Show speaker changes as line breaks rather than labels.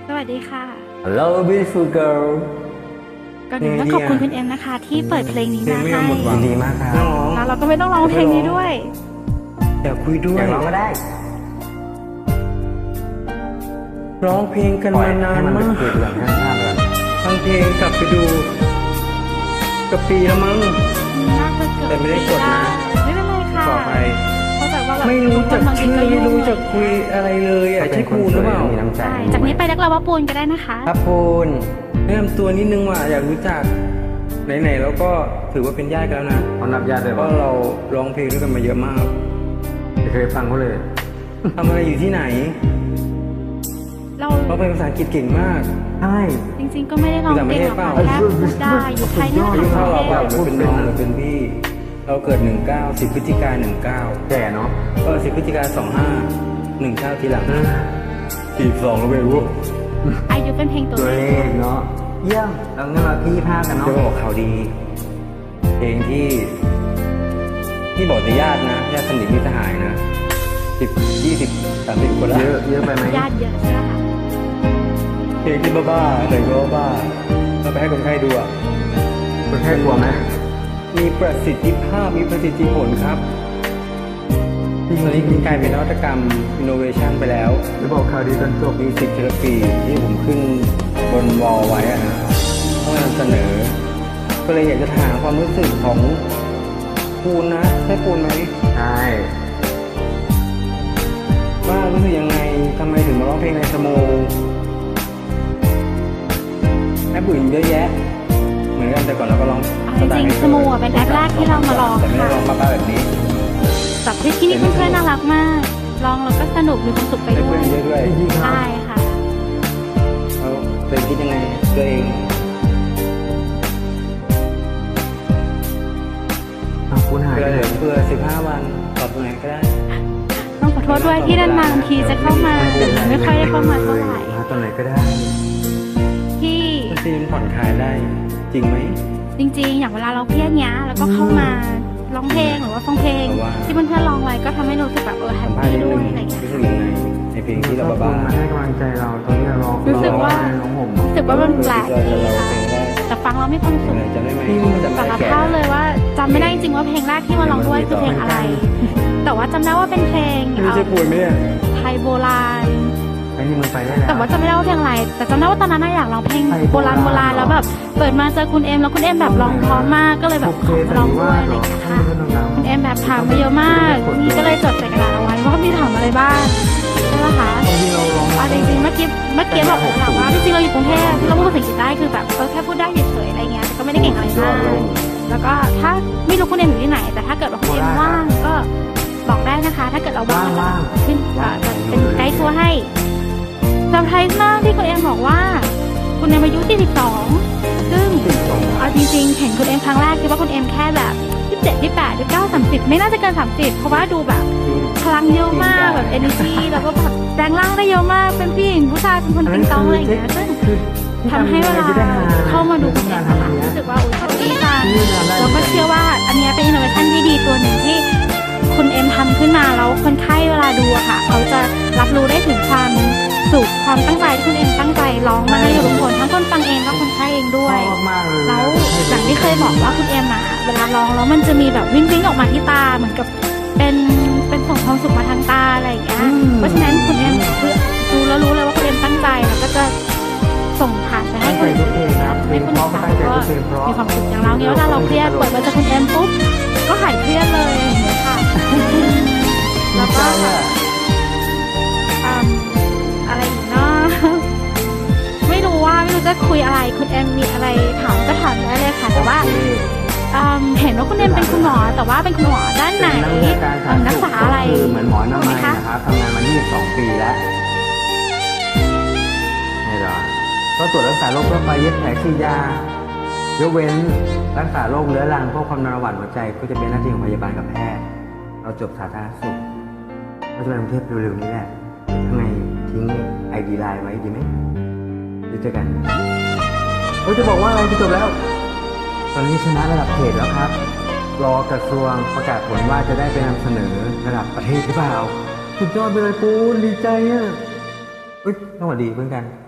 สวัสดีค่ะ
Hello beautiful girl
ก่อนอื่นต้องขอบคุณคุณเอ็มนะคะ ที่เปิดเพลงนี้มาให้
ยินดีมากครับ
แล้วเราก็ไม่ต้องร้องเพลงนี้ด้วย
อยากคุยด้ว
อย ยากร้องก็ได้
ร้องเพลงกัน
ปล่อย
มานาน
ให้มัน
มา
เป็น
ก
คุยกันให้ทราบกัน
ฟังเพลงกลับไปดูกับปีแล้วมั้ง
น่าจะเกิด
แต่ไม่ได้กดนะ
ไม่เป็นไรค่ะ
ต่อไป
เข้าใจว่าแบบ
ไม่รู้จัก
บางที
ชื่อ
ก็ยุ่
ไม่
ง
รู้จักคุยอะไรเลยอ่ะใช่ปูนหรือเปล่า
มีน้ำใจ
ใช่จากนี้ไปเรียกเราว่าปูนก็ได้นะคะ
ครับปูน
แนะนำตัวนิดนึงว่าอยากรู้จักไหนๆแล้วก็ถือว่าเป็นญาติกันแล้วนะ
เขานับญาติเลย
เพราะ
ว่า
เราร้องเพลงด้วยกันมาเยอะมาก
ไม่เคยฟังเขาเลย
ทำอะไรอยู่ที่ไหน
เรา
ร้องเพลงภาษาอังกฤษเก่งมาก
ใช่
จริงๆก็ไม่ได้ร้องเก่งหรอกค่ะแค่พูดได้อยู่ไทยนี่
อายุ
แห
เท่า
ละ
เรา
ค่ะ
เปล่าหรือเป็นน้องหรือเป็นพี่ เราเกิด 19 10 พฤศจิกายน
แก่เนาะ
19ก็10 พฤศจิกายน 25 19 ทีหลัง42แล้วไม่รู้
อายุเป็นเพลงตัว
ตัว
เล
เล
ข
ขเนาะเยี่ยมแล้วงั้นเราที่ภาพกันเนาะ
จะบอกข่าวดี เพลงที่บอกแต่ญาตินะญาติสนิทมิตรสหายนะ10 20 30 คนละ
เยอะไปไหม
ญาติเยอะใช่ไหมคะ
เพลงที่บ้าๆแต่ก็บ้าเราไปให้คนไข้ดูอ่ะ
คนแค่กลัวไหม
มีประสิทธิภาพมีประสิทธิผลครับตอนนี้กลายเป็นนวัตกรรม innovation ไปแล้ว
จะบอกข่าวดีตอนจบ
มิวสิกเทอราปีที่ผมขึ้นบนวอลไว้อะนะต้องนำเสนอ ก็เลยอยากจะถามความรู้สึกของปูนนะใช่ปูนไหม
ใช่
ว่ารู้สึกยังไงทำไมถึงมาร้องเพลงในสโมแอปอื่นเยอะแยะ เหมือนกันแต่ก่อนเราก็ร้อง
จริงๆสโมอ่ะเป็นแอปแรกที่เรามาลอง
แต่ไม่ได้
ค่ะ
ร้องบ้าๆแบบนี้
แบบที่นี่เพื่อนๆน่ารักมากลองแล้วก็สนุกมีความสุขไป
ได้
ด้ว
เพื่อย นเยอะด้วย
จริงๆครับ
ใช่ค่ะ
เขาเคยคิดยังไงตัวเอง
คุณหาย
เพื่
ไป
อ
ไหน
เพื่อ15 วันตอบตรงไหนก็ได้
ต้องขอโทษด้วยที่นานๆบางทีจะเข้ามาแต่ไม่ค่อยได้เข้ามาเท่าไหร่
มาตอนไหนก็ได้
ที่
มันซีนผ่อนคลายได้จริงไหม
จริงๆ อย่างเวลาเราเครียดเนี้ยแล้วก็เข้ามาร้องเพลงหรือว่าฟังเพลง
แต่ว่า
ที่เพื่อนๆร้องไว้ก็ทำให้รู้สึกแบบแฮ
สั
ป
มภาษ
ปี้
ณ์นิด
ด้ว
นึ
ย
ง
อะไรอย่างเงี้ย
รู้สึกยังไงในเพลงที่เราบ้า
มาให้กำลังใจเราตอนที่เราร้อง
รู้สึกว่า
ร้องห่ม
รู้สึกว่ามันแปลก
เรา
ดี
จะเรา
ค่ะ
เพลงแรก
แต่ฟังแล้วมีความสุข
จำได้ไหมจำ
สา
ได้
ร
แก่
ภาพเลยว่าจำไม่ได้จริงๆว่าเพลงแรกที่มาร้องด้วยคือเพลงอะไร แต่ว่าจำได้ว่าเป็นเพลง
ไม่ใช่ป่วยไหมเนี่ย
ไทยโบราณ
ไอ้นี่มึงไปได้แล้ว
แต่ว่าจำไม่ได้ว่าเพลงอะไร แต่จำได้ว่าตอนนั้นน่ะอยากร้องเพลง
ไทย
โบ
โบ
รา
รา
ณ
ณ
โบราณแล้วแบบเปิดมาเจอคุณเอ็มแล้วคุณเอ็มแบบร้องเพร้อมมากก็เลยแบบขอมาร้องด้วยอะไรอย่างเงี้ยค่ะคุณเอ็มแบบถามมาเยอะมากนี่ก็เลยจดใส่กระดาษเอาไว้ว่ามีถามอะไรบ้างใช่ไหมคะ
บางทีเราร้อง
จริงๆเมื่อกี้บอกแล้วแหละว่าจริงๆเราอยู่กรุงเทพเราพูดภาษาอังกฤษได้คือแบบแค่พูดได้เฉยๆอะไรเงี้ยแต่ก็ไม่ได้เก่งอะไรมากแล้วก็ถ้าไม่รู้คุณเอ็มอยู่ที่ไหน แต่ถ้าเกิดว่าคุณเอ็มว่างก็บอกได้นะคะ ถ้าเกิดเราว่างก็ขึ้นจะเป็นไกด์ทัวร์ให้เซอร์ไพรส์มากที่คุณเอ็มบอกว่าคุณเอ็มอายุ42ซึ่งเอาจริงๆเห็นคุณเอ็มครั้งแรกคิดว่าคุณเอ็มแค่แบบ27 28 29 30ไม่น่าจะเกิน30เพราะว่าดูแบบพลังเยอะมากแบบ energy แล้วก็แบบแปลงร่างได้เยอะมากเป็นผู้หญิงผู้ชายเป็นคนติงตองอะไรอย่างเงี้ยซึ่งทำให้เวลาเข้ามาดูคุณเอ็มนะคะรู้สึกว่าโอ้ยดีจังแล้วก็เชื่อว่าอันเนี้ยเป็น innovation ที่ดีตัวหนึ่งที่คุณเอ็มทำขึ้นมาแล้วคนไข้เวลาดูอะค่ะเขาจะรับรู้ได้ถึงความสุขความตั้งใจที่คุณเอ็มตั้งใจร้องมาให้ทุกคนทั้งคนฟังเองและคนไข้เองด้วย
มากเลย
แล้วอย่างที่เคยบอกว่าคุณเอ็มอะเวลาร้องแล้วมันจะมีแบบวิ่งวิ่งออกมาที่ตาเหมือนกับเป็นส่งความสุขมาทางตาอะไรอย่างเงี้ยเพราะฉะนั้นคุณเอ็มคือดูแล้วรู้เลยว่าคุณเอ็มตั้งใจแล้วก็จะส่งผ่านไปให้คนอื่นให้คนอื่นฟังก็มีความสุขอย่างเราเนี่ยเวลาเราเครียดเปิดมาจากคุณเอ็มปุ๊บก็หายเครียดเลยอย่างเงี้ยค่ะแล้วก็อะไรอีกเนาะไม่รู้จะคุยอะไรคุณเอ็มมีอะไรถามก็ถามได้เลยค่ะแต่ว่าเห็นว่าคุณเอ็มเป็นคุณหมอแต่ว่าเป็นคุณหมอด้านไหนรักษาอะไร
คือเหมือนหมอหน้าไม้นะครับทำงานมา22 ปีแล้วนี่เหรอก็ตรวจรักษาโรคทั่วไปเย็บแผลฉีดยายกเว้นรักษาโรคเรื้อรังพวกความดันเบาหวานหัวใจก็จะเป็นหน้าที่ของพยาบาลกับแพทย์เราจบสาธารณสุขเราจะไปกรุงเทพเร็วๆนี้แหละทำไมทิ้งID ไลน์ไว้ดีไหมเดี๋ยวเจอกันจะบอกว่าอะไรจะจบแล้ว ตอนนี้ชนะระดับเขตแล้วครับ รอกระทรวงประกาศผลว่าจะได้ไปนำเสนอระดับประเทศหรือเปล่าสุดยอดไปเลยปูนดีใจอ่ะสวัสดีเพื่อนกัน